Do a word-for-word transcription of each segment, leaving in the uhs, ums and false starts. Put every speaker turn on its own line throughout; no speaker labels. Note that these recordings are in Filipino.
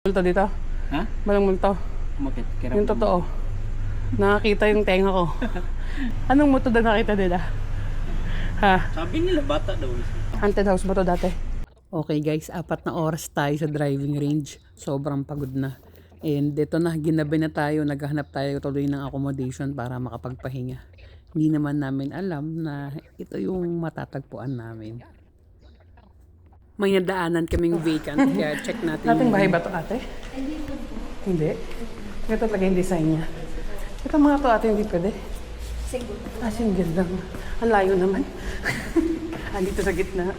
Multo dito?
Ha?
Walang multo.
Bakit? Kirap
Yung totoo. Nakakita yung tenga ko. Anong multo na nakita nila? Ha?
Sabi nila bata daw.
Haunted house ba to dati? Okay guys, apat na oras tayo sa driving range. Sobrang pagod na. And dito na, ginabi na tayo. Naghahanap tayo tuloy ng accommodation para makapagpahinga. Hindi naman namin alam na ito yung matatagpuan namin. May nadaanan kaming vacant, kaya check natin. Ating bahay ba ito ate? Hindi. Ito talaga yung design niya. Ito mga to ate, hindi pwede.
Single.
Ah, single lang. Ang layo naman. Andito sa gitna.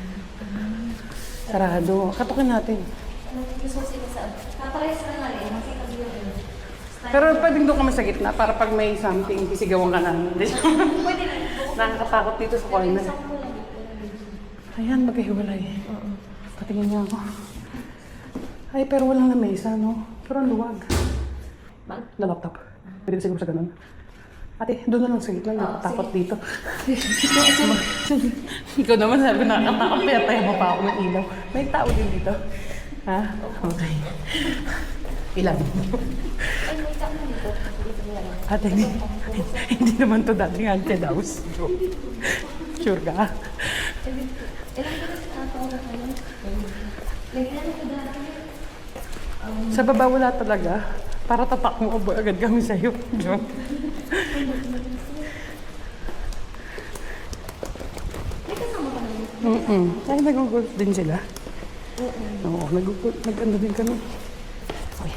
Sarado. Katukin natin.
Gusto ko sila sa... Kaparehas ka nga rin. Kasi pag yun.
Pero pwedeng doon kami sa gitna para pag may something, isigawan ka namin.
Pwede na.
Nakakatakot dito sa corner. Ayan, magkahiwalay. Patingin niya ako. Ay, pero walang lamesa, no? Pero ang luwag. Na laptop. Pwede siguro sa ganun. Ate, doon na lang sa gitna. Nakatakot dito. Ikaw naman sabi na nakatakot. Kaya tayo mo pa ako ng ilaw. May tao din dito. Ha? Okay. Ilan?
Ay, may tao na dito. Dito nila lang.
Ate, hindi, hindi naman to dating haunted house. Sure ka?
Ilang ka na sa tao na kayo? Lagyan ko dati.
Sa baba wala talaga. Para tatak mo agad kami sa'yo. Joke.
May kasama ka naman.
Mm-mm. Ay, nag-golf din sila. Oo, nag-golf. Nag-ano din kami. Okay.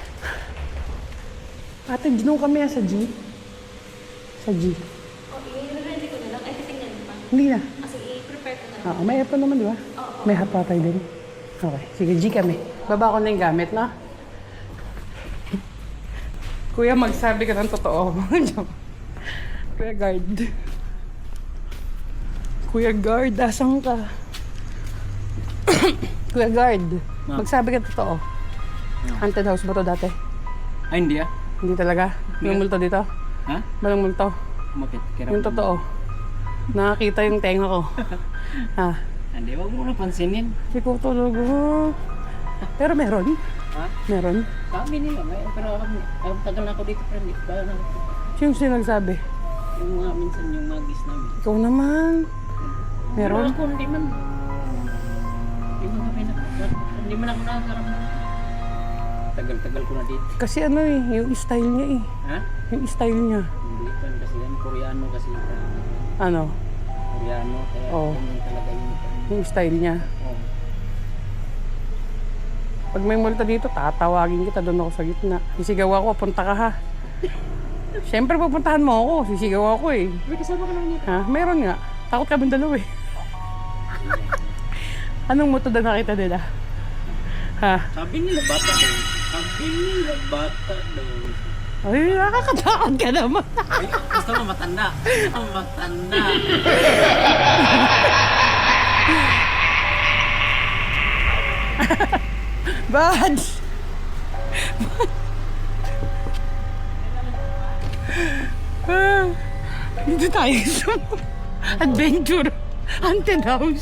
Ate, ginaw kami ah, sa G. Sa G.
Okay, i-ready ko na lang. Ay, titingnan mo pa.
Hindi na.
Kasi i-prepare ko na lang.
Oo, may aircon naman, di ba?
Oo.
May hot patay din. Okay, sige, G kami. Baba ko na yung gamit, na. Kuya, magsabi ka ng totoo. Kuya guard. Kuya guard, asan ka? Kuya guard,
Ma.
magsabi ka ng totoo. Haunted house ba to dati?
Ay, hindi ah.
Hindi talaga? May
Hindi.
multo dito?
Ha?
Walang multo.
Bakit? Kirap
Yung totoo. Nakakita yung tenga ko. Ha?
Hindi, wag mo na pansinin.
Hindi ko talaga. Pero meron?
Ha?
Meron?
Sabi nila, may, pero ako, ang tagal na ako dito, pero hindi pa na.
Sino sinagsabi?
Yung mga minsan yung magis namin.
Ikaw naman. Meron?
Pero ako, hindi man. Hindi man kami na, hindi man ako nakakaramdam. Tagal-tagal ko na dito.
Kasi ano eh, yung style niya eh.
Ha?
Yung style niya.
Hindi pa kasi yan, Koreano kasi.
Ano?
Koreano, kaya
Oo.
yung talaga yung,
Yung style niya.
oh.
Pag may multa dito, tatawagin kita, doon ako sa gitna. Sisigaw ako, punta ka ha. Siyempre pupuntahan mo ako, sisigaw ako eh.
May kasama ka naman dito.
Ha? Meron nga. Takot kami dalawa eh. Anong multo na nakita nila? Ha?
Sabi nila bata daw. Sabi nila bata daw.
Ay, nakakatakot ka naman.
Ay, gusto mo matanda. Ang matanda.
Badge! Ah, dito tayo sa adventure. Haunted house.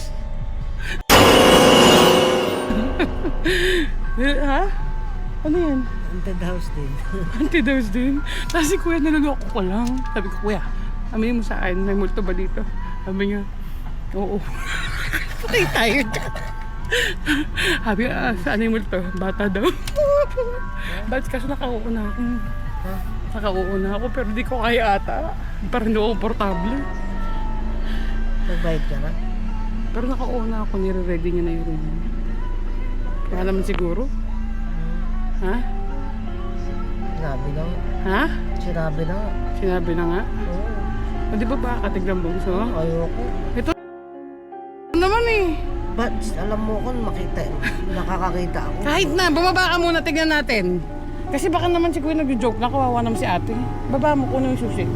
Ha? Ano yan?
Haunted house din.
Haunted house din. Tapos si kuya naluloko ko lang. Sabi ko, kuya, aminin mo sa akin, may multo ba dito? Sabi niya, oo. Okay, tired. Sabi ah, saan yung multo? Bata daw. Bakit kasi nakauuna na ako? Nakauuna na ako pero di ko kaya ata. Parang hindi ako komportable.
Nagbayad ka na?
Pero nakauuna ako, nire-ready niya na yung room. Kaya naman siguro. Ha?
Sinabi na nga.
Ha?
Sinabi na nga.
Sinabi na nga.
Oo.
O di ba ba katiglang bungso?
Ayoko.
Ito naman eh.
But alam mo kung makita, nakakakita ako.
Kahit na, bumaba ka muna, tignan natin. Kasi baka naman si Kuya nag-joke na, kawawa naman si ate. Baba mo, kuno yung susi.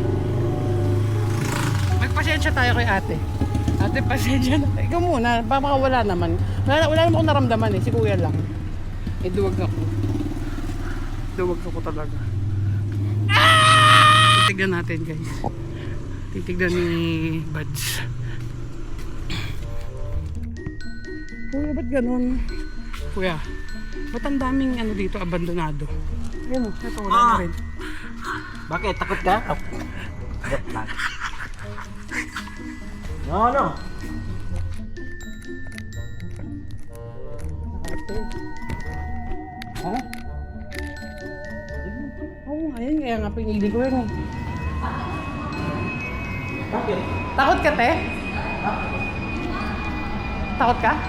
Magpasensya tayo kay ate. Ate, pasensya na. Ikaw muna, baka wala naman. Wala, wala naman akong naramdaman eh, si Kuya lang. Eh, duwag ako. Duwag ako talaga. Titignan natin guys. Titignan ni Buds. Kuya, ba't ganun? Kuya, Ba't ang daming ano dito, abandonado? Ayun o, ito wala na rin.
Bakit? Takot ka? Oh. Joke lang. No, no.
Ha? Oo, ayun, kaya nga pinili ko yun eh.
Bakit?
Takot ka, te? Takot ka?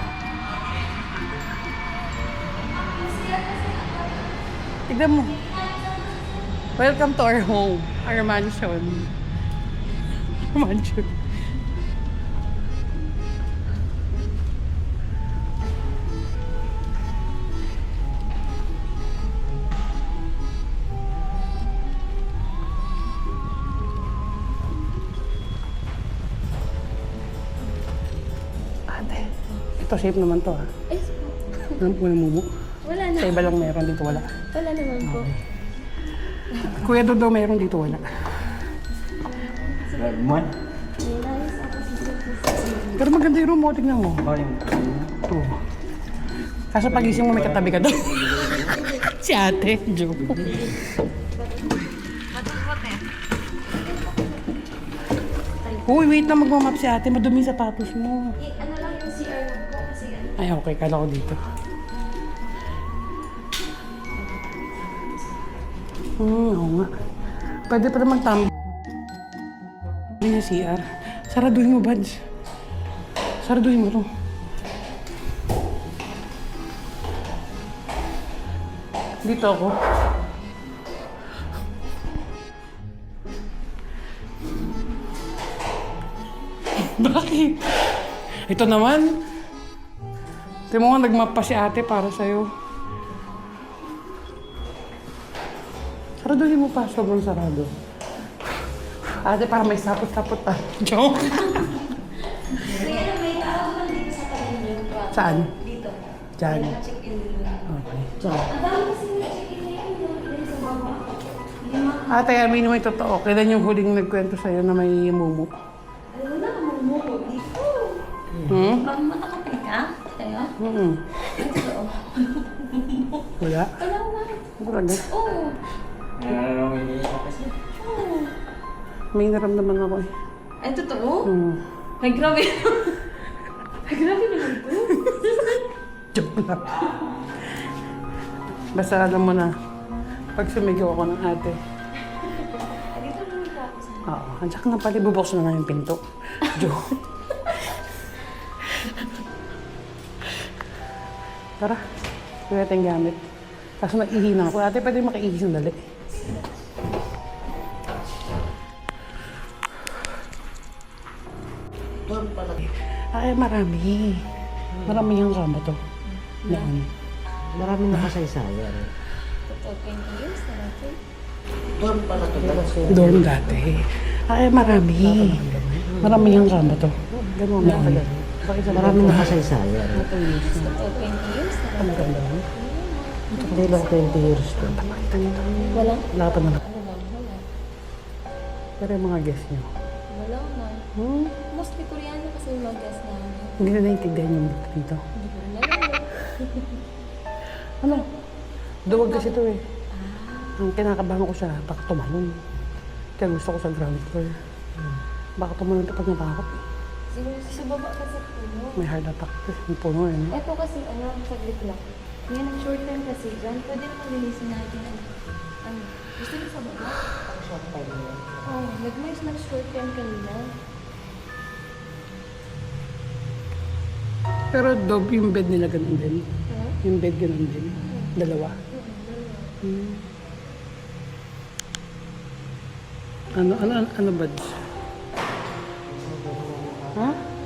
Tignan mo. Welcome to our home, our mansion. Mansion. Ate, ito safe naman to ha.
Eh,
Alam ko na mumu.
wala na.
Sa iba lang meron, dito wala.
Wala naman po.
Kuya Dodo meron, dito wala.
Mon?
Nice ako si Sisi.
Pero maganda yung room mo, tignan mo.
Oh, yung...
Ito. Kaso pagising mo may katabi ka doon. Si ate, joke. Uy, wait na magmamap si ate. Madumi yung sapatos mo.
Eh, ano lang yung C R lang po kasi ano.
Ay, okay. Kala ko dito. Hmm, oo nga. Pwede pa naman tambay yung C R. Saraduhin mo, Bads. Saraduhin mo to. Dito ako. Bakit? Ito naman. Tingnan mo nga, nagmap pa si ate para sa'yo. Saraduhin mo pa, sobrang sarado. Ate, para may sapot-sapot pa. Joke.
Kaya ano, may tao naman dito sa kalendar ko.
Saan?
Dito.
Diyan.
May check-in dito.
Okay. Ciao.
Ang dami kasi may check-in na yun. no? Dito sa baba. Lima.
Ate, amin mo yung totoo. Kailan yung huling nagkwento sa'yo na may mumu?
Ano na, mumuko dito.
Hmm?
Pag matakapi ka, kaya,
Hmm.
ito.
Wala.
Wala na.
Talaga.
Oo.
Ano yung kasi?
Oo.
May naramdaman ako eh.
Ay, totoo?
Hmm.
Ay, grabe. Ay, grabe naman to.
Joke lang. Basta alam mo na, pag sumigaw ako ng ate,
Ay, dito naman ka ako sa...
oo, at saka nga pala, bubuksan na nga yung pinto. Joke. Tara, gawin natin gamit. Kaso nag-ihina ako. Ate, pwede makiihis ng dali. Ay, marami. Marami yung kama to. Noon.
Maraming nakasaysayan.
Totoo, twenty years na natin.
Doon pala ito.
Dorm dati. Ay, marami. Marami yung kama to.
Ganun na pala. Maraming nakasaysayan.
Totoo, twenty years na
Ang
natin.
ganda.
Hindi lang twenty years to.
Wala.
Wala pa naman.
Ano lang, wala.
Pero yung mga guests nyo.
Wala na.
Hmm?
Mostly Koreano kasi yung mga guests namin.
Hindi na naiintindihan yung dito.
Hindi ko rin alam.
Ano? Duwag kasi ito eh. Ang kinakabahan ko siya, baka tumalon. Kaya gusto ko sa ground floor. Baka tumalon ito pag natakot eh.
Siguro sa baba kasi puno.
May heart attack kasi yung puno eh. No?
Ito kasi ano, saglit lang. Ngayon ang short time kasi dyan, pwede naman linisin natin ang ano. Gusto niyo sa baba?
Ang short time yun.
Oo, oh, nag-mais na short time kanina.
Pero dog, yung bed nila ganun din.
Ha?
Yung bed ganun din. Dalawa. Hmm. Ano, ano, ano, ano ba? Ha?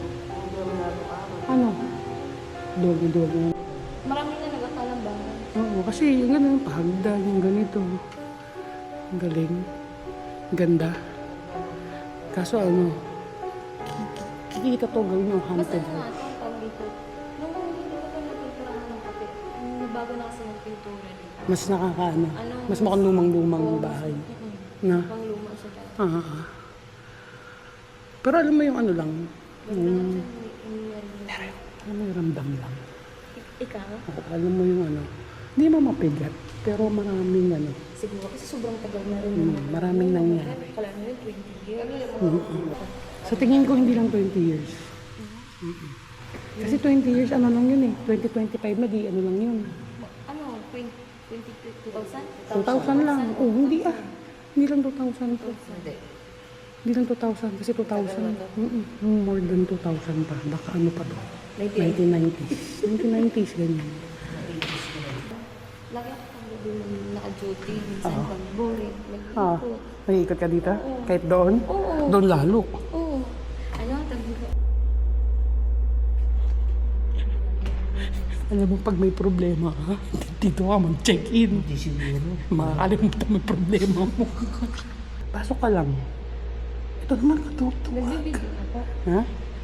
Ano? Dog, dog.
Marami na nag-akalang bahay.
Oo, kasi yung ganun, pahagdan, yung ganito. Ang galing. Ganda. Kaso ano, ki- kikita to gawin yung
Mas
haunted.
ano nga, ang tawag dito. Nung hindi ko pa nagpinturahan ng kape, nung bago na kasi nagpintura dito.
Mas nakakaano,
Ano?
mas mukhang lumang-lumang
Oo, mas-
bahay.
Mm-mm.
Na,
Pang luma siya dati.
ah, ah, ah. Pero alam mo yung ano lang,
Basta
yung,
lang siya ni- ni-
alam mo yung ramdam lang.
Ik- Ikaw?
Oo, alam mo yung ano, Hindi mo mapigat, pero maraming ano.
Siguro kasi sobrang tagal na rin.
Mm, maraming nangyari.
Kala nyo rin twenty years.
Sa tingin ko hindi lang twenty years. Mm-mm. Kasi twenty years ano lang yun eh. twenty twenty-five na di ano lang yun.
Ano, twenty, twenty, two thousand?
two thousand lang. Oh, hindi ah. Hindi lang two thousand to.
Hindi.
Hindi lang two thousand kasi two thousand. Mm-mm. More than two thousand pa. Baka ano pa to? nineteen nineties. nineteen nineties ganyan.
Lagi ako pang gabi naka-duty. Minsan pag boring.
Ah,
Mag-ikot.
nag-iikot ka dito? Kahit doon?
Oo.
Doon lalo.
Oo. Ano, tag
Alam mo, pag may problema ka, dito ka mag-check-in.
Hindi siguro.
Makakalimutan mo yung problema mo. Pasok ka lang. Ito naman, katutuwag.
Nagbibigay na po.
Ha?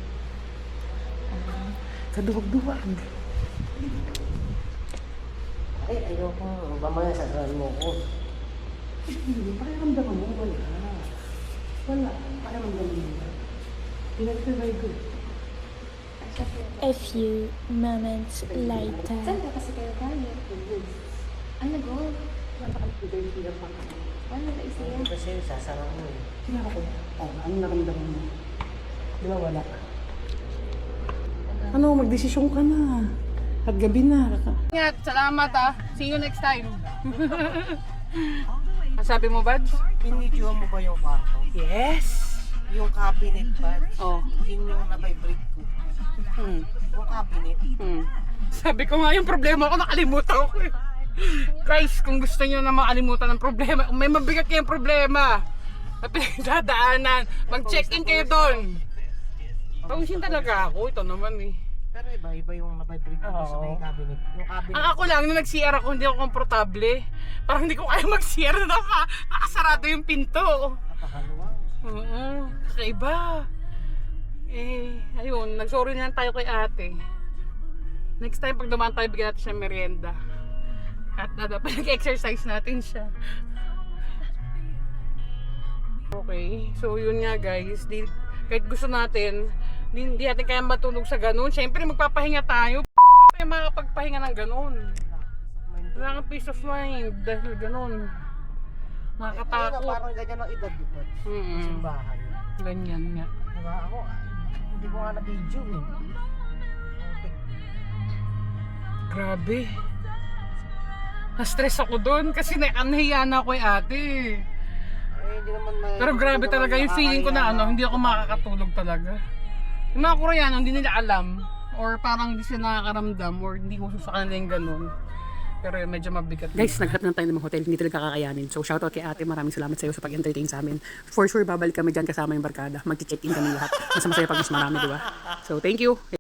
Kaduwag-duwag.
Ay, ayoko. Mamaya sasaran mo ko.
Hindi, pakiramdaman mo, wala. Wala, pakiramdaman mo. Pinag-provide ko.
A few moments later.
Saan ka kasi kayo kaya? Ano, go? Ano ka isiya?
Kasi sasaran mo eh.
Sino ako? Oh, ano naramdaman mo? Di ba wala? Ano, magdesisyon ka na. At gabi na. Ingat, salamat ah. See you next time. Ang sabi mo, Bads?
Pinidyo mo ba yung kwarto?
Yes.
Yung cabinet ba?
Oh.
Yun yung na-vibrate ko.
Hmm.
Yung cabinet.
Hmm. Sabi ko nga yung problema ko, nakalimutan ko eh. Guys, kung gusto niyo na makalimutan ng problema, kung may mabigat kayong problema na pinagdadaanan, mag-check-in kayo doon. Pawisin talaga ako, ito naman eh.
Pero iba-iba yung na-vibrate ko sa may
Oo.
cabinet. Yung cabinet.
Ang ako lang, nung nag-C R ako, hindi ako komportable. Parang hindi ko kaya mag-C R na naka, nakasarado yung pinto.
Napakaluwang.
Oo, kakaiba. Eh, ayun, nag-sorry na lang tayo kay ate. Next time, pag dumaan tayo, bigyan natin siya ng merienda. At na dapat nag-exercise natin siya. Okay, so yun nga guys. Di, kahit gusto natin, di, di natin kaya matulog sa ganun. Siyempre, magpapahinga tayo. P*** makapagpahinga ng ganun. Wala kang peace of mind dahil ganun.
Ayun na,
Nakakatakot.
parang ganyan ang edad dito.
Mm-mm.
Simbahan.
Ganyan nga.
Diba ako, hindi ko nga na-video eh.
Grabe. Na-stress ako doon kasi nahiya na ako eh ate.
Eh, hindi naman na,
Pero grabe
hindi
talaga
naman
yung feeling ko na
nakakahiya
ano, hindi ako makakatulog talaga. Yung mga Koreano, hindi nila alam or parang hindi sila nakakaramdam or hindi ko sa kanila yung ganun. Pero medyo mabigat. Guys, naghanap na tayo ng mga hotel, hindi talaga kakayanin. So shoutout kay ate, maraming salamat sa iyo sa pag-entertain sa amin. For sure, babalik kami dyan kasama yung barkada. Mag-check-in kami lahat. Mas masaya pag mas marami, di ba? So thank you.